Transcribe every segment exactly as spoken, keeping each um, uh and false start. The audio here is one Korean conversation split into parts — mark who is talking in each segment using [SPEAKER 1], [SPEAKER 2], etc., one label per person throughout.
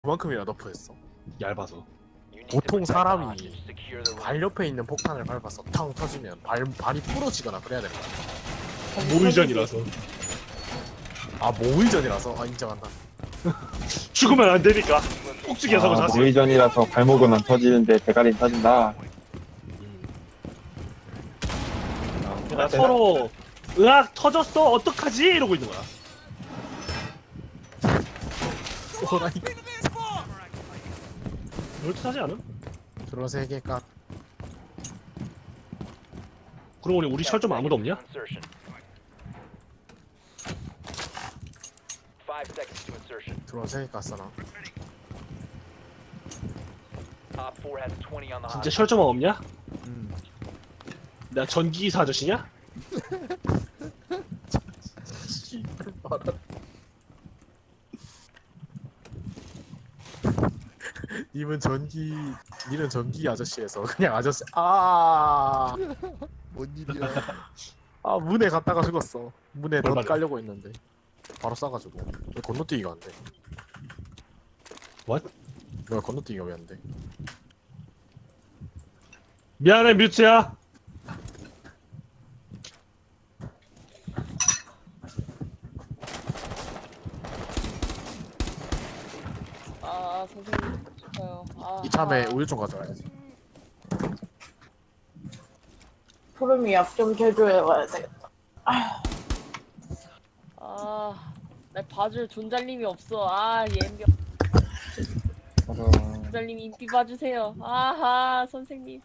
[SPEAKER 1] 그만큼이나 너프했어.
[SPEAKER 2] 얇아서.
[SPEAKER 1] 보통 사람이 발 옆에 있는 폭탄을 밟아서 탕 터지면 발, 발이 부러지거나 그래야 되는 거야.
[SPEAKER 2] 모의전이라서.
[SPEAKER 1] 아 모의전이라서? 아 인정한다.
[SPEAKER 2] 죽으면 안 되니까. 꼭지기에 서고
[SPEAKER 3] 아,
[SPEAKER 2] 자세요.
[SPEAKER 3] 모의전이라서 발목은 안 터지는데 대가리는 터진다.
[SPEAKER 2] 그러니까 서로 으악 터졌어 어떡하지 이러고 있는 거야.
[SPEAKER 1] 호라이까
[SPEAKER 2] 그렇게 하지 않음?
[SPEAKER 1] 들어 세 개가
[SPEAKER 2] 그러고 보니 우리 철 좀 아무도 없냐?
[SPEAKER 1] 들어 세 개 깠어 나.
[SPEAKER 2] 진짜 철 좀 없냐?
[SPEAKER 1] 음.
[SPEAKER 2] 내가 전기기사 아저씨냐?
[SPEAKER 1] 씨발 말아. 님은 전기, 니는 전기 아저씨에서 그냥 아저씨. 아,
[SPEAKER 4] 뭔 일이야?
[SPEAKER 1] 아 문에 갔다가 죽었어. 문에 덧
[SPEAKER 2] 얼마나?
[SPEAKER 1] 깔려고 했는데 바로 싸가지고. 왜 건너뛰기가 안 돼?
[SPEAKER 2] What?
[SPEAKER 1] 왜 건너뛰기가 왜 안 돼?
[SPEAKER 2] 미안해 뮤츠야.
[SPEAKER 5] 아 선생님 싶어요. 아,
[SPEAKER 1] 이참에
[SPEAKER 5] 아.
[SPEAKER 1] 우유 좀 가져와야지.
[SPEAKER 6] 푸름이 약 좀 개조해 와야 되겠다.
[SPEAKER 5] 아, 날 봐줄 존잘님이 없어. 아, 옌병
[SPEAKER 3] 그래서
[SPEAKER 5] 존잘님이 인기 봐주세요. 아하, 선생님.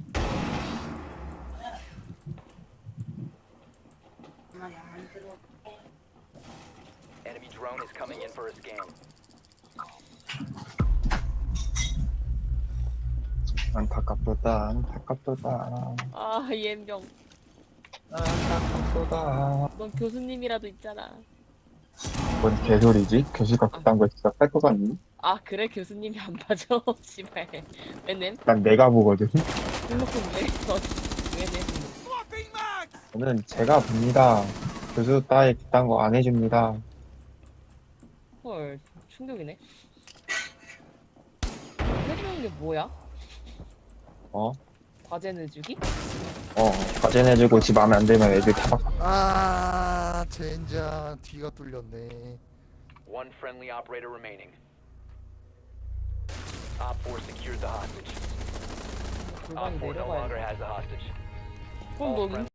[SPEAKER 7] Enemy drone is coming in for a scan.
[SPEAKER 3] 안타깝도다, 안타깝도다,
[SPEAKER 5] 아, 옌병.
[SPEAKER 3] 안타깝도다.
[SPEAKER 5] 넌 교수님이라도 있잖아.
[SPEAKER 3] 뭔 개소리지? 교수가 그딴 거 진짜 뺄 것 같니?
[SPEAKER 5] 아, 그래 교수님이 안 봐줘. 씨발. 왜냄?
[SPEAKER 3] 난 내가 보거든.
[SPEAKER 5] 행복한 왜? 너 왜냄?
[SPEAKER 3] 저는 제가 봅니다. 교수 따위 그딴 거 안 해줍니다.
[SPEAKER 5] 헐, 충격이네. 해주는 게 뭐야?
[SPEAKER 3] 어?
[SPEAKER 5] 과제 내주기?
[SPEAKER 3] 어, 과제 내주고 집 마음에 안 들면 애들 타박.
[SPEAKER 4] 아, 젠장 뒤가 뚫렸네.
[SPEAKER 7] One friendly operator remaining. Op four secured the hostage. Op
[SPEAKER 5] 골반이
[SPEAKER 7] four no longer
[SPEAKER 5] 내려가야 돼.
[SPEAKER 7] has the hostage.
[SPEAKER 5] 그럼 너